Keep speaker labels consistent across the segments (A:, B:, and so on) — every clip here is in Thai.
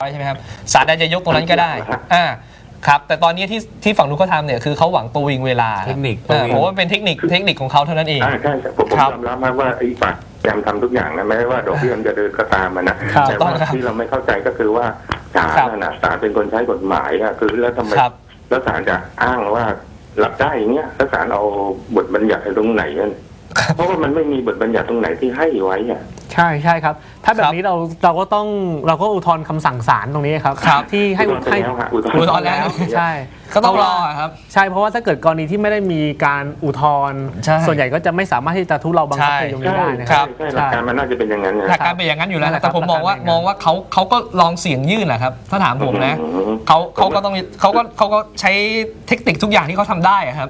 A: ใช่ไหมครับศาลอาจจะยกตรงนั้นก็ได้ครับแต่ตอนนี้ที่ฝั่งนู้นเขาทำเนี่ยคือเขาหวังประวิงเวลา
B: เทคนิค
A: ผมว่าเป็นเทคนิคของเขาเท่านั้นเอง
C: ใช่ผมยอมรับว่าไอ้ฝ่ายพยายามทำทุกอย่างนะแม้ว่าดอกเบี้ยมันจะเดินก็ตามมันนะแต่ว่าที่เราไม่เข้าใจก็คือว่าศาลเป็นคนใช้กฎหมายอะคือแล้วทำไมแล้วศาลจะอ้างว่ารับได้อย่างเงี้ยแล้วศาลเอาบทบัญญัติตรงไหนนั่นเพราะว่ามันไม่มีบทบัญญัติตรงไหนที่ให้ไว้อะ
D: ใช่ครับถ้าแบบนี้เราก็อุทธรณ์คำสั่งศาลตรงนี้ครับที่ให้อุทธรณ์แล้วใช่
A: ก็ต้องรอครับ
D: ใช่เพราะว่าถ้าเกิดกรณีที่ไม่ได้มีการอุทธรณ์ส่วนใหญ่ก็จะไม่สามารถที่จะทุเลาบังคับคดีตรงนี้ได้นะครับ
C: หลักการมันน่าจะเป็นอย่างนั้น
A: หลักการเป็นอย่างนั้นอยู่แล้วแต่ผมมองว่าเขาก็ลองเสี่ยงยื่นแหละครับถ้าถามผมนะเขาก็ใช้เทคนิคทุกอย่างที่เขาทำได้ครับ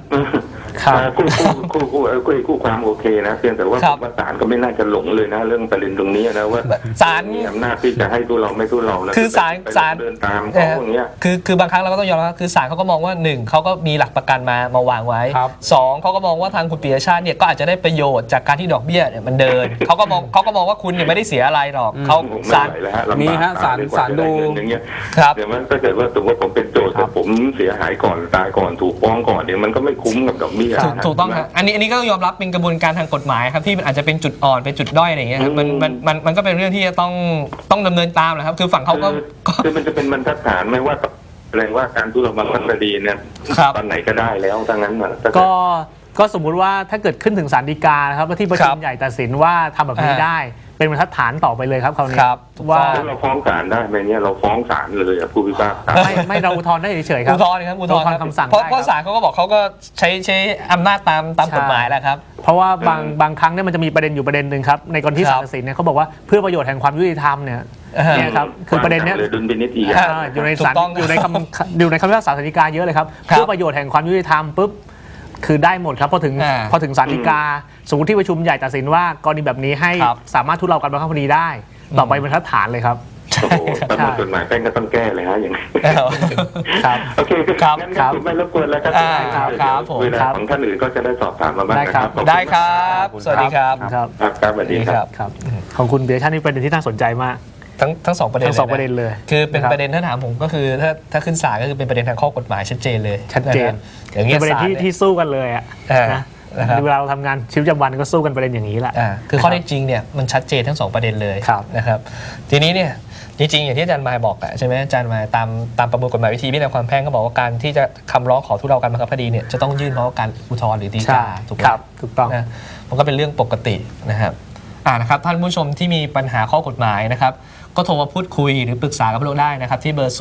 C: คู่ความโอเคนะเพียงแต่ว่าศาลก็ไม่น่าจะหลงเลยนะเรื่องประเด็นตรงนี้นะว่า
A: ศาล
C: มีอำนาจที่จะให้ทุเราไม่ทุเราแล้ว
A: คือศาล
C: เดินตามเขาอย่างเงี้ย
A: คือบางครั้งเราก็ต้องยอมรับคือศาลเขาก็มองว่า1เขาก็มีหลักประกันมาวางไว้2เขาก็มองว่าทางคุณปิยชาติเนี่ยก็อาจจะได้ประโยชน์จากการที่ดอกเบี้ยเนี่ยมันเดินเขาก็มองว่าคุณเนี่ยไม่ได้เสียอะไรหรอกเขาศาล
B: มีฮะศาลดู
C: ครับเดี๋ยวมันถ้าเกิดว่าสมมติผมเป็นโจทย์แต่ผมเสียหายก่อนตายก่อนถูกฟ้องก่อนเดี๋ยวมันก็ไม่คุ้มกับดอกเบี้ย
A: ถูกต้องครับอันนี้ก็ยอมรับเป็นกระบวนการทางกฎหมายครับที่มันอาจจะเป็นจุดอ่อนเป็นจุดด้อยอะไรอย่างเงี้ยมันก็เป็นเรื่องที่จะต้องดำเนินตามแหละครับคือฝั่งเขาก็
C: คือมันจะเป็นบรรทัดฐานไหมว่าแสดงว่าการทุเลาบังคับคดีเนี่ยตอนไหนก็ได้แล้วทั้งนั้น
D: ก็สมมุติว่าถ้าเกิดขึ้นถึงศาลฎีกานะครับที่ประชุมใหญ่ตัดสินว่าทำแบบนี้ได้เป็นบรรทัดฐานต่อไปเลยครับคราวนี้
C: ว่าเราฟ้องศาลได้ไหมเนี่ยเราฟ้องศาลเลยผู้พิพากษา
D: ไม่เราอุทธรณ์ได้เฉยๆครับ
A: อุทธรณ์ครับอุทธรณ์คำสั่งเพราะศาลเขาก็บอกเขาก็ใช้อำนาจตามกฎหมายแหละครับ
D: เพราะว่าบางครั้งเนี่ยมันจะมีประเด็นอยู่ประเด็นหนึ่งครับในกรณีที่ศาลตัดสินเนี่ยเขาบอกว่าเพื่อประโยชน์แห่งความยุติธรรมเนี่ยครับคือประเด็นเนี้ยอยู่ในศาลอยู่ในคำพิพากษาศาลฎีกาเยอะเลยครับเพื่อประโยชน์แห่งความยุติธรรมปุ๊บคือได้หมดครับพอถึงศาลฎีกาสมมติที่ประชุมใหญ่ตัดสินว่ากรณีแบบนี้ให้สามารถทุเลาการบังคับคดีได้ต่อไปเป็นบรรทัดฐานเลยครับ
C: โอ้โหตามกฎหมายแป้งก็ต้องแก้เลยฮะอย่างนี้
D: ครับ
C: โอเคครับไม่รบกวนแล้ว
A: ครับผม
C: เวลาของท่านอื่นก็จะได้สอบถามมาบ้างนะครับ
A: ได้ครับสวัสดีครับ
C: ครับสวัสดีครับ
D: ของคุณเบียร์ชาตินี่เป็นประเด็นที่น่าสนใจมาก
A: ทั้งสองประเด็น
D: เลย
A: คือเป็นประเด็นถ้าถามผมก็คือถ้าขึ้นศาลก็คือเป็นประเด็นทางข้อกฎหมายชัดเจนเลย
D: ชัดเจน
A: อย่างเงี้ย
D: ประเด็นที่สู้กันเลยอ่ะนะเวลาเราทำงานชีวิตประจำวันก็สู้กันประเด็นอย่างนี้แหละ
A: คือข้อเท็จจริงเนี่ยมันชัดเจนทั้ง2ประเด็นเลยนะครับทีนี้เนี่ยจริงๆอย่างที่อาจารย์มายบอกใช่ไหมอาจารย์มายตามประมวลกฎหมายวิธีพิจารณาความแพ่งก็บอกว่าการที่จะคำร้องขอทุเลาการบังคับคดีเนี่ยจะต้องยื่นเพราะการอุทธรณ์หรือฎีกา
D: ถูกต้อง
A: นะมันก็เป็นเรื่องปกตินะครับนะครับท่านผู้ชมที่มีปัญหาข้อกฎหมายนะครับก็โทรมาพูดคุยหรือปรึกษากับเราได้นะครับที่เบอร์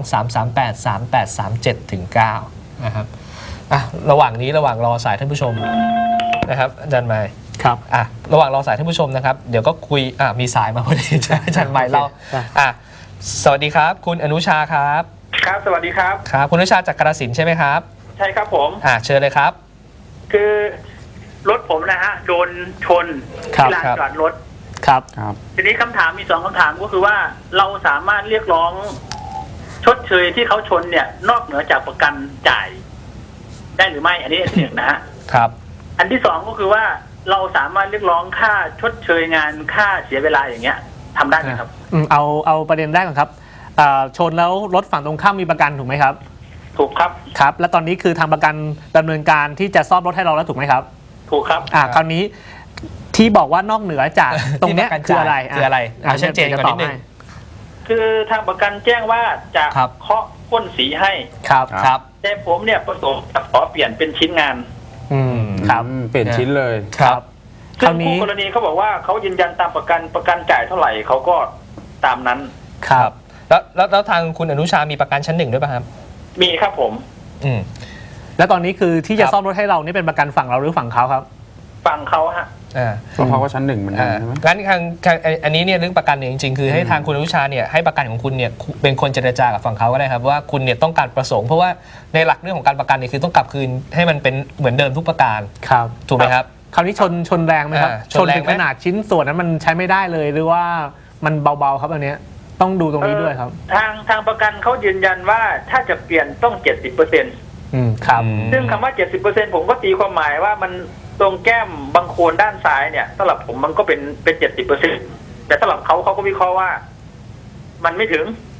A: 02-338-3837-9 นะครับระหว่างรอสายท่านผู้ชมนะครับอาจารย์มาย
D: ครับ
A: ระหว่างรอสายท่านผู้ชมนะครับเดี๋ยวก็คุยมีสายมาพอดีอาจารย์มายเราสวัสดีครับคุณอนุชาครับ
E: ครับสวัสดีครับ
A: ครับคุณอนุชาจากกาฬสินธุ์ใช่ไหมครับ
E: ใช่ครับผม
A: เชิญเลยครับ
E: คือรถผมนะฮะโดนชนที่ลานจอดรถ
D: ครับ
E: ทีนี้คำถามมี2คำถามก็คือว่าเราสามารถเรียกร้องชดเชยที่เขาชนเนี่ยนอกเหนือจากประกันจ่ายได้หรือไม่อันนี้อันหนึ่งนะฮะ
A: ครับ
E: อันที่2ก็คือว่าเราสามารถเรียกร้องค่าชดเชยงานค่าเสียเวลาอย่างเงี้ยทำได้ไหมครับ
D: เอาประเด็นแรกก่อนครับชนแล้วรถฝั่งตรงข้ามมีประกันถูกไหมครับ
E: ถูกครับ
D: ครับแล้วตอนนี้คือทางประกันดำเนินการที่จะซ่อมรถให้เราแล้วถูกไหมครับ
E: ถูกครับ
D: คราวนี้ที่บอกว่านอกเหนือจากตรงนี้คืออะไร
A: ชัดเจนก่อนนิดนึง
E: คือทางประกันแจ้งว่าจะเคาะพ่นสีให้
A: ครับ
E: แต่ผมเนี่ยประสงค์จะขอเปลี่ยนเป็นชิ้นงาน
D: ครับ
B: เปลี่ยนชิ้นเลย
D: ครับ
E: ซึ่งคู่กรณีเขาบอกว่าเขายืนยันตามประกันจ่ายเท่าไหร่เขาก็ตามนั้น
A: ครับแล้วทางคุณอนุชามีประกันชั้น1ด้วยป่ะครับ
E: มีครับผม
D: แล้วตอนนี้คือที่จะซ่อมรถให้เรานี่เป็นประกันฝั่งเราหรือฝั่งเขาครับ
E: ฝั่งเขาฮะ
B: เพราะเขาก็ชั้น1เหมือนกันใช่ไหม
A: งั้นอันนี้เนี่ยเรื่องประกันเนี่ยจริงๆคือให้ทางคุณอนุชาเนี่ยให้ประกันของคุณเนี่ยเป็นคนเจรจากับฝั่งเขาก็ได้ครับว่าคุณเนี่ยต้องการประสงค์เพราะว่าในหลักเรื่องของการประกันเนี่ยคือต้องกลับคืนให้มันเป็นเหมือนเดิมทุกประการ
D: ครับ
A: ถูกไหมครับ
D: คราวนี้ชนแรงไหมครับชนถึงขนาดชิ้นส่วนนั้นมันใช้ไม่ได้เลยหรือว่ามันเบาๆครับอันนี้ต้องดูตรงนี้ด้วยครับ
E: ทางประกันเขายืนยันว่าถ้าจะเปลี่ยนต้อง 70%
D: ครับ
E: ซึ่งคำว่า 70% ผมก็ตีความหมายว่ามันตรงแก้มบางโคนด้านซ้ายเนี่ยสำหรับผมมันก็เป็น 70% แต่สำหรับเขาก็วิเคราะห์ว่ามันไม่ถึง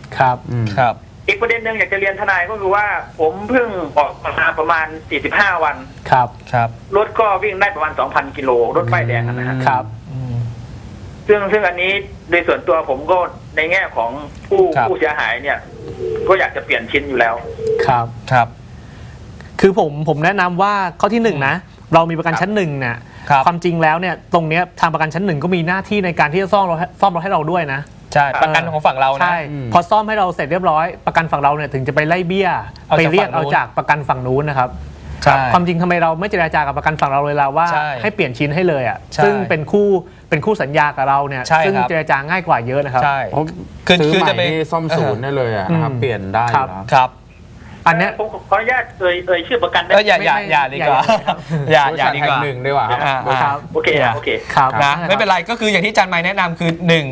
D: ครับ
A: ครับ
E: อีกประเด็นหนึ่งอยากจะเรียนทนายก็คือว่าผมเพิ่งออกมาประมาณ45 วัน
D: ครับ
A: ครับ
E: รถก็วิ่งได้ประมาณ 2,000 กิโลรถป้ายแดงนะฮะ
D: ครับ
E: ซึ่งอันนี้โดยส่วนตัวผมก็ในแง่ของผู้เสียหายเนี่ย ก็อยากจะเปลี่ยนชิ้นอยู่แล้ว
D: ครับ
A: ครับ
D: คือผมแนะนำว่าข้อที่หนึ่งนะเรามีประกันชั้นหนึ่งเนี่ยความจริงแล้วเนี่ยตรงเนี้ยทางประกันชั้นหนึ่งก็มีหน้าที่ในการที่จะซ่อมรถให้เราด้วยนะ
A: ใช่ประกันของฝั่งเรานะ
D: ใช่พอซ่อมให้เราเสร็จเรียบร้อยประกันฝั่งเราเนี่ยถึงจะไปไล่เบี้ยไปเรียกเอาจากประกันฝั่งนู้นนะครับความจริงทำไมเราไม่เจรจากับประกันฝั่งเราเลยล่ะว่าให้เปลี่ยนชิ้นให้เลยอ่ะซึ่งเป็นคู่สัญญากับเราเนี่ยซึ่งเจรจาง่ายกว่าเยอะนะครับ
B: ใช่คือจะไปซ่อมศูนย์ได้เลยนะครับเปลี่ยนได้
A: ครับ
E: อันนี้ผมขออนุญาตเอ่ยชื่อประกันได้
A: อย่าดีกว่าอย่าดีกว่า
B: หนึ่งดีกว่า
E: ครับโอเค
A: ครับนะไม่เป็นไรก็คืออย่างที่อาจารย์ไมค์แนะนำคือ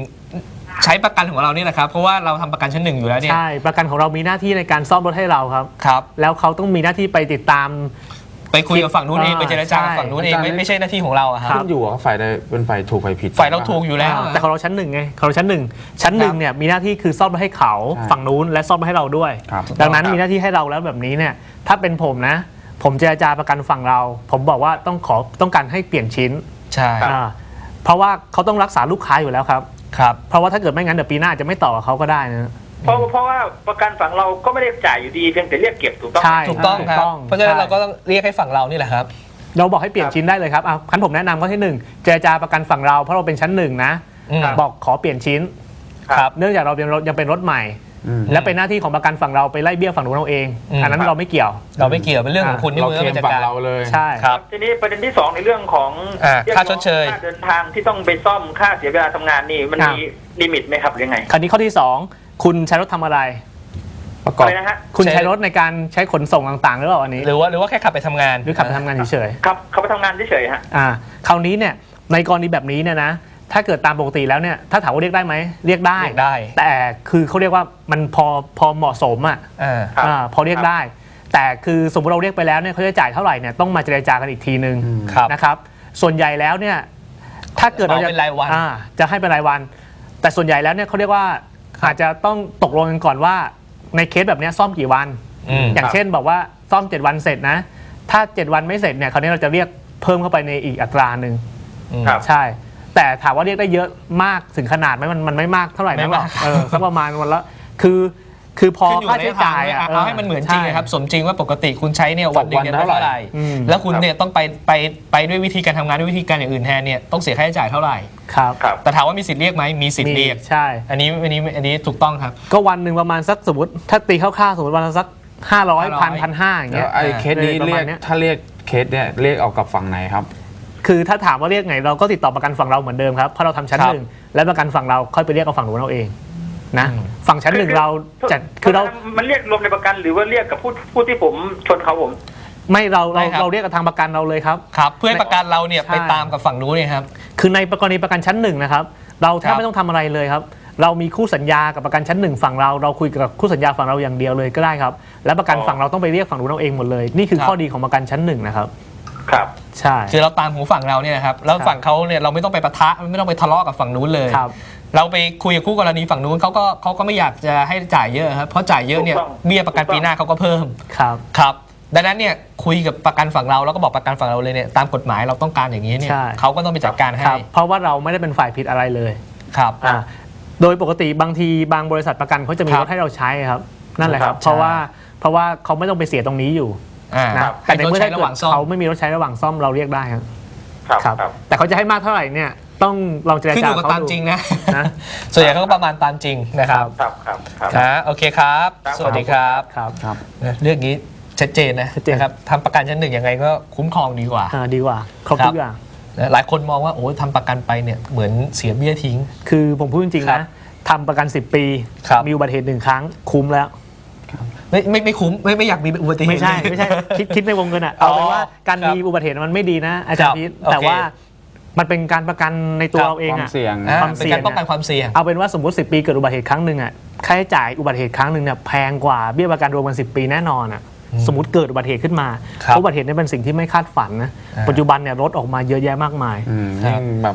A: 1ใช้ประกันของเรานี่แหละครับเพราะว่าเราทำประกันชั้นหนึ่งอยู่แล้วเนี่ย
D: ใช่ประกันของเรามีหน้าที่ในการซ่อมรถให้เราครับแล้วเขาต้องมีหน้าที่ไปติดตาม
A: ไปคุยกับฝั่งนู้นเองไปเจรจากับฝั่งนู้นเองไม่ใช่หน้าที่ของเราครับ
B: ขึ้นอยู่ว่าฝ่ายใดเป็นฝ่ายถูกฝ่ายผิด
A: ฝ่ายเราถูกอยู่แล้ว
D: แต่ของเราชั้นหนึ่งไงของเราชั้นหนึ่งเนี่ยมีหน้าที่คือซ่อมให้เขาฝั่งนู้นและซ่อมให้เราด้วยดังนั้นมีหน้าที่ให้เราแล้วแบบนี้เนี่ยถ้าเป็นผมนะผมเจรจาประกันฝั่งเราผมบอกว่าต้องการให้เปลี่ยนชิ้น
A: ใช่
D: เพราะว่าเขาต้องรักษาลูกค้าอยู่แล้วครับเพราะว่าถ้าเกิดไม่งั้นเดี๋ยวปีหน้าจะไม่ต่อกับเขาก็ได้นะ
E: เพราะว่าประกันฝั่งเราก็ไม่ได้จ่ายอยู่ดีเพียงแต่เรียกเก็บถูกต้อง
A: ถูกต้องครับเพราะฉะนั้นเราก็ต้องเรียกให้ฝั่งเรานี่แหละครับ
D: เราบอกให้เปลี่ยนชิ้นได้เลยครับขั้นผมแนะนำข้อที่1เจรจาประกันฝั่งเราเพราะเราเป็นชั้น1นะบอกขอเปลี่ยนชิ้นเนื่องจากเรายังเป็นรถใหม่และเป็นหน้าที่ของประกันฝั่งเราไปไล่เบี้ยฝั่งนู้นเราเองอันนั้นเราไม่เกี่ยว
A: เป็นเรื่องของคุณที่มือเป็น
B: ฝั่งเราเลย
D: ใช่
E: ครับทีนี้ประเด็นที่2ในเรื่องของ
A: ค่าชดเชย
E: ค่าเดินทางที่ต้องไปซ่อมค่าเสียเวลาทำงานนี่มันมีลิมิตไหมครับยังไง
D: คราวนี้ข้อที่2คุณใช้รถทำอะไร
E: ประกอบนะฮะ
D: คุณใช้รถในการใช้ขนส่งต่างๆหรือเปล่าอันนี้
A: หรือว่าแค่ขับไปทำงาน
D: หรือขับไปทำงานเฉย
E: ๆครับขับไปทำงานเฉยๆฮะ
D: คราวนี้เนี่ยในกรณีแบบนี้เนี่ยนะถ้าเกิดตามปกติแล้วเนี่ยถ้าถามว่าเรียกได้ไหมเรียกได้แต่คือเขาเรียกว่ามันพอเหมาะสมอ่ะพอเรียกได้แต่คือสมมติเราเรียกไปแล้วเนี่ยเขาจะจ่ายเท่าไหร่เนี่ยต้องมาเจรจากันอีกทีนึงนะครับส่วนใหญ่แล้วเนี่ยถ้าเกิดเราจะให้เป็นรายวันแต่ส่วนใหญ่แล้วเนี่ยเขาเรียกว่าอาจจะต้องตกลงกันก่อนว่าในเคสแบบนี้ซ่อมกี่วันอย่างเช่นบอกว่าซ่อม7วันเสร็จนะถ้า7วันไม่เสร็จเนี่ยคราวนี้เราจะเรียกเพิ่มเข้าไปในอีกอัตราหนึ่งใช่แต่ถามว่าเรียกได้เยอะมากถึงขนาดไหมมันไม่มากเท่าไหร่นะสักประมาณวันละคือพอค่าใช้จ่าย
A: เอาให้มันเหมือนจริงครับสมจริงว่าปกติคุณใช้เนี่ยวันหนึ่งเท่าไหร่แล้วคุณเนี่ยต้องไปด้วยวิธีการทำงานด้วยวิธีการอย่างอื่นแทนเนี่ยต้องเสียค่าใช้จ่ายเท่าไหร่
D: ครับ
A: แต่ถามว่ามีสิทธิ์เรียกไหมมีสิทธิ์เรียก
D: ใช่
A: อันนี้ถูกต้องครับ
D: ก็วันหนึ่งประมาณสักสมมติถ้าตีคร่าวๆสมมติวันละสัก500 1,500อย่างเงี้ย
B: ไอ้เคสนี้เรียกถ้าเรียกเคสเนี่ยเรียกออกกับฝั่งไหนครับ
D: คือถ้าถามว่าเรียกไงเราก็ติดต่อประกันฝั่งเราเหมือนเดิมครับเพราะเราทำชั้นหนึ่งและประกันฝั่งเราค่อยไปเรียกกับฝั่งนู้นเราเองนะฝั่งชั้นหนึ่งเราจัดคือเรา
E: มันเรียกรวมในประกันหรือว่าเรียกกับผู้ที่ผมชนเขาผม
D: ไม่เราเรียกกับทางประกันเราเลยครับ
A: ครับเพื่อประกันเราเนี่ยไปตามกับฝั่งนู้นเนี่ยครับ
D: คือในกรณีประกันชั้นหนึ่งนะครับเราแทบไม่ต้องทำอะไรเลยครับเรามีคู่สัญญากับประกันชั้นหนึ่งฝั่งเราคุยกับคู่สัญญาฝั่งเราอย่างเดียวเลยก็ได้ครับแล้วประกันฝั่งเราต้องไปเรียกฝั่งนู้นเราเองหมดเลยนี่คือข้อดีของประกันชั้นหนึ่งนะครับ
E: ครับ
D: ใช่
A: คือเราตามหูฝั่งเราเนี่ยนะครับแล้วฝั่งเขาเนี่ยเราไม่ต้องไปปะทะไม่ต้องไปทะเลาะกับฝั่งนู้นเลยเราไปคุยกับคู่กรณีฝั่งนู้นเขาก็ไม่อยากจะให้จ่ายเยอะครับเพราะจ่ายเยอะเนี่ยเบี้ยประกันปีหน้าเขาก็เพิ่มครับดังนั้นเนี่ยคุยกับประกันฝั่งเราแล้วก็บอกประกันฝั่งเราเลยเนี่ยตามกฎหมายเราต้องการอย่างนี้เนี่ยเขาก็ต้องไปจัดการให้
D: เพราะว่าเราไม่ได้เป็นฝ่ายผิดอะไรเลย
A: ครับ
D: โดยปกติบางทีบางบริษัทประกันเขาจะมีรถให้เราใช้ครับนั่นแหละครับเพราะว่าเขาไม่ต้องไปเสียตรงนี้อยู่นะแต่ในเมื่อเขาไม่มีรถใช้ระหว่างซ่อมเราเรียกได้ครับแต่เขาจะให้มากเท่าไหร่เนี่ยต้องลองเจรจา
A: ขึ้นอยู่กับตามจริงนะส่วนใหญ่เขาก็ประมาณตามจริงนะครับครับโอเคครับสวัสดีครับเรื่องนี้ชัดเจนนะครับทำประกันชั้นหนึ่งยังไงก็คุ้มครองดีกว่า
D: ครบทุกอย่าง
A: หลายคนมองว่าโอ้ทำประกันไปเนี่ยเหมือนเสียเบี้ยทิ้ง
D: คือผมพูดจริงๆนะทำประกัน10 ปีมีอุบัติเหตุ1 ครั้งคุ้มแล้ว
A: ไม่คุ้มไม่อยากมีอุบัติเหตุ
D: ไม่ใช่คิดในวงเงินอ่ะเอาเป็นว่าการมีอุบัติเหตุมันไม่ดีนะอาจารย์พีทแต่ว่ามันเป็นการประกันในตัวเราเองอ่ะ
A: ความเสี่ยงป้องกันความเสี่ยง
D: เอาเป็นว่าสมมติ10 ปีเกิดอุบัติเหตุครั้งหนึ่งอ่ะค่าใช้จ่ายอุบัติเหตุครั้งหนึ่งเนี่ยแพงกว่าเบี้ยประกันรวมกัน10 ปีแน่นอนอ่ะสมมติเกิดอุบัติเหตุขึ้นมาอุบัติเหตุนี่เป็นสิ่งที่ไม่คาดฝันนะปัจจุบันเนี่ยรถออกมาเยอะแยะมากมาย
B: แบบ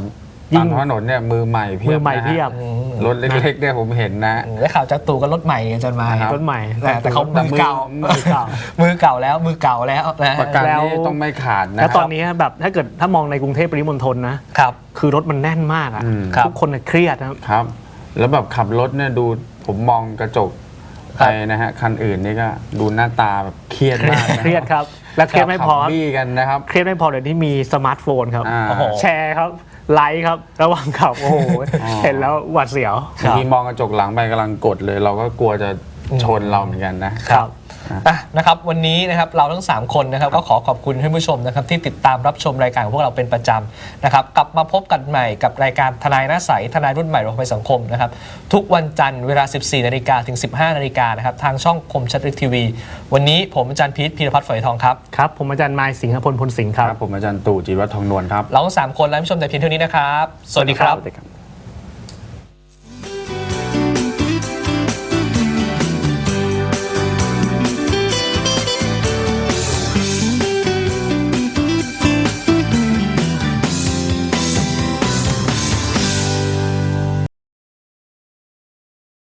B: ตามถนนเนี่ยมือใหม่เพียบ
D: มือใหม่เพียบ
B: รถเล็กๆเนี่ยผมเห็นนะ
A: ได้ข่าวจากตู่ก็รถใหม่อาจารย์มาย
D: รถใหม่
A: แต่เขามือเก่า มือเก่าแล้วนะ
B: ประกันนี่ต้องไม่ขาดนะ
D: แล้วตอนนี้แบบถ้ามองในกรุงเทพปริมณฑลนะครับคือรถมันแน่นมากอ่ะทุกคนเครียด
B: ครับแล้วแบบขับรถเนี่ยดูผมมองกระจกไปนะฮะคันอื่นนี่ก็ดูหน้าตาแบบเครียดมากนะ
D: เครียดครับและเครียดไม่พอ
B: บี้กันนะครับ
D: เครียดไม่พอเดี๋ยวนี้มีสมาร์ทโฟนครับ
B: โอ้โห
D: แชร์ครับไลค์ครับระหว่างขับโอ้โหเห็นแล้วหวาดเสียว
B: บางทีมองกระจกหลังไปกำลังกดเลย เราก็กลัวจะชนเราเหมือนกันนะครับ
A: นะครับวันนี้นะครับเราทั้ง3คนนะครับก็ขอขอบคุณท่านผู้ชมนะครับที่ติดตามรับชมรายการของพวกเราเป็นประจำนะครับกลับมาพบกันใหม่กับรายการทนายหน้าใสทนายรุ่นใหม่รวมภัยสังคมนะครับทุกวันจันทร์เวลา 14 นาฬิกาถึง 15 นาฬิกานะครับทางช่องคมชัดลึกทีวีวันนี้ผมอาจารย์พีทพีรพัฒน์ฝอยทองครับ
D: ครับผมอาจารย์มายสิงห์พลพลสิงห์ครับ
B: ผมอาจารย์ตู่จิรวัฒน์ทองนวลครับ
A: เราทั้ง3คนและผู้ชมแต่เพียงเท่านี้นะครับสวัสดีครับ